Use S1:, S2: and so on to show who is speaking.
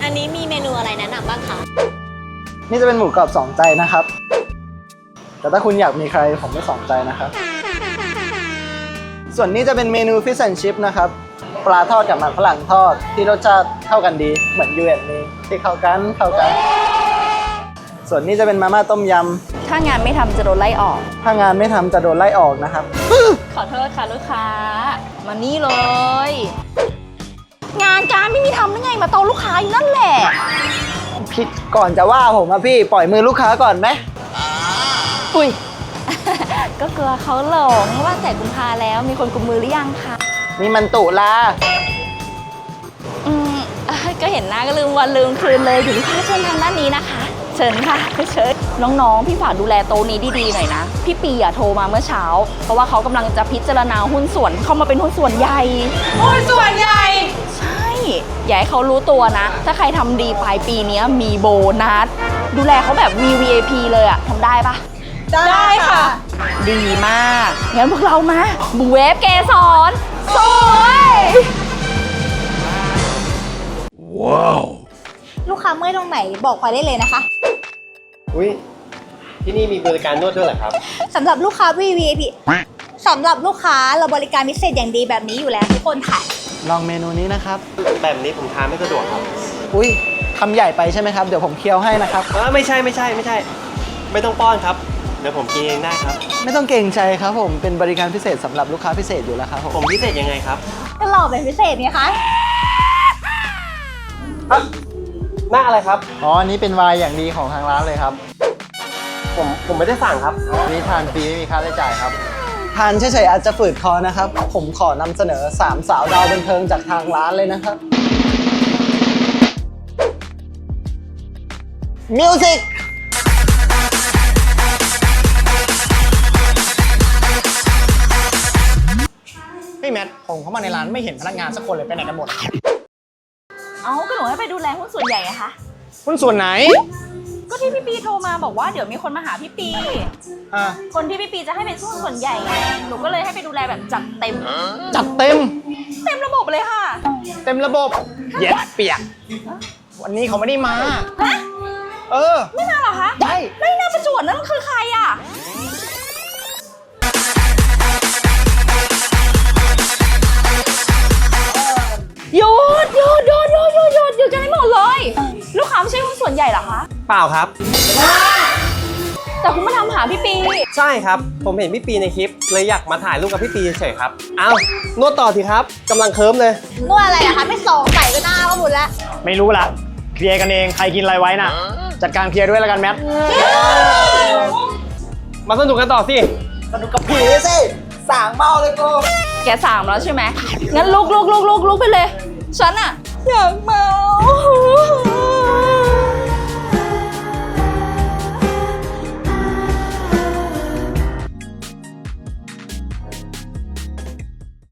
S1: อันนี้มีเมนูอะไรแนะนำบ้างคะ
S2: นี่จะเป็นหมูกรอบ2 ใจนะครับแต่ถ้าคุณอยากมีใครผมไม่2 ใจนะครับส่วนนี้จะเป็นเมนู Fish and Chip นะครับปลาทอดกับมันฝรั่งทอดที่รสชาติเข้ากันดีเหมือนยูเอ็นนี้ที่เข้ากันส่วนนี้จะเป็นมาม่าต้มยำ
S3: ถ้างานไม่ทำจะโดนไล่ออก
S2: ถ้างานไม่ทำจะโดนไล่ออกนะครับ
S3: ขอโทษค่ะลูกค้ามานี่เลยงานการไม่มีทำได้ไงมาโตลูกค้าอยู่นั่นแหละ
S2: พี่ก่อนจะว่าผมอะพี่ปล่อยมือลูกค้าก่อนไหม
S3: อุ้ย ก็กลัวเขาหลงว่าแต่กุมภาแล้วมีคนกุมมือหรือยังคะ
S2: นี่มันตุลา
S3: ก็เห็นหน้าก็ลืมวันลืมคืนเลยถึงลูกค้าเชิญทางด้านนี้นะคะเชิญค่ะเชิญน้องๆพี่ฝากดูแลโต๊ะนี้ดีๆหน่อยนะพี่ปีโทรมาเมื่อเช้าเพราะว่าเขากำลังจะพิจารณาหุ้นส่วนเข้ามาเป็นหุ้นส่วนใหญ่ใช่อย่าให้เขารู้ตัวนะถ้าใครทำดีปลายปีนี้มีโบนัสดูแลเขาแบบมี VIP เลยอะทำได้ปะ
S1: ได้ค่ะ
S3: ดีมากงั้นพวกเรามาบูเวฟเกสรสวย
S1: ว้าวลูกค้าเมื่อยตรงไหนบอกพลอยได้เลยนะคะ
S4: อุ้ยที่นี่มีบริการนวดด้วยเหรอครับ
S1: สำหรับลูกค้า VIP สำหรับลูกค้าเราบริการพิเศษอย่างดีแบบนี้อยู่แล้วทุกคนค่ะ
S2: ลองเมนูนี้นะครับ
S4: แบบนี้ผมทานไม่สะดวกครับ
S2: อุ้ยคำใหญ่ไปใช่ไหมครับเดี๋ยวผมเคี้ยวให้นะครับ
S4: ไม่ใช่ไม่ต้องป้อนครับเดี๋ยวผมกินเองได้ครับ
S2: ไม่ต้องเกรงใจครับผมเป็นบริการพิเศษสำหรับลูกค้าพิเศษอยู่แล้วครับ
S4: ผมพิเศษยังไงครับ
S1: ก็หล่อเป็นพิเศษไงคะ
S4: หน้าอะไรครับ
S2: อ๋ออันนี้เป็นไวน์อย่างดีของทางร้านเลยครับ
S4: ผมไม่ได้สั่งครับ
S2: นี่ทานฟรีไม่มีค่าใช้จ่ายครับทานเฉยๆอาจจะฝืดคอนะครับผมขอนำเสนอ3 สาวดาวบันเทิงจากทางร้านเลยนะครับมิวสิก
S5: พี่แมทผมเข้ามาในร้านไม่เห็นพนักงานสักคนเลยไปไหนกันหมด
S3: ก็หนูให้ไปดูแลหุ้นส่วนใหญ่อะคะ
S5: หุ้นส่วนไหน
S3: ก็ที่พี่ปีโทรมาบอกว่าเดี๋ยวมีคนมาหาพี่ปีคนที่พี่ปีจะให้เป็นหุ้นส่วนใหญ่ไงหนูก็เลยให้ไปดูแลแบบจัดเต็มระบบเลยค่ะ
S5: เต็มระบบเย็ดเปียกวันนี้เขาไม่ได้มา
S3: ไม่มาเหรอคะ
S5: ใช่
S3: ไม่น่าประจวบนั่นคือใครอะหยุดกันให้หมดเลยลูกค้าไม่ใช่หุ้นส่วนใหญ่เหรอคะ
S4: เปล่าครับ
S3: แต่คุณมาทำหาพี่ปี
S4: ใช่ครับผมเห็นพี่ปีในคลิปเลยอยากมาถ่ายรูปกับพี่ปีเฉยครับนวดต่อสิครับกำลังเคิร์มเลย
S1: นวดอะไรอะคะไม่สองใส่ก็หน้าก็หมดแล้ว
S5: ไม่รู้ละเคลียร์กันเองใครกินอะไรไว้น่ะจัดการเคลียร์ด้วยแล้วกันแมท
S4: มาสนุกกันต่อสิ
S2: สนุกกับผีสิสั่งเมาเลยกู
S3: แกสั่งแล้วใช่ไหมงั้นลุกไปเลยฉันอะอยากเมา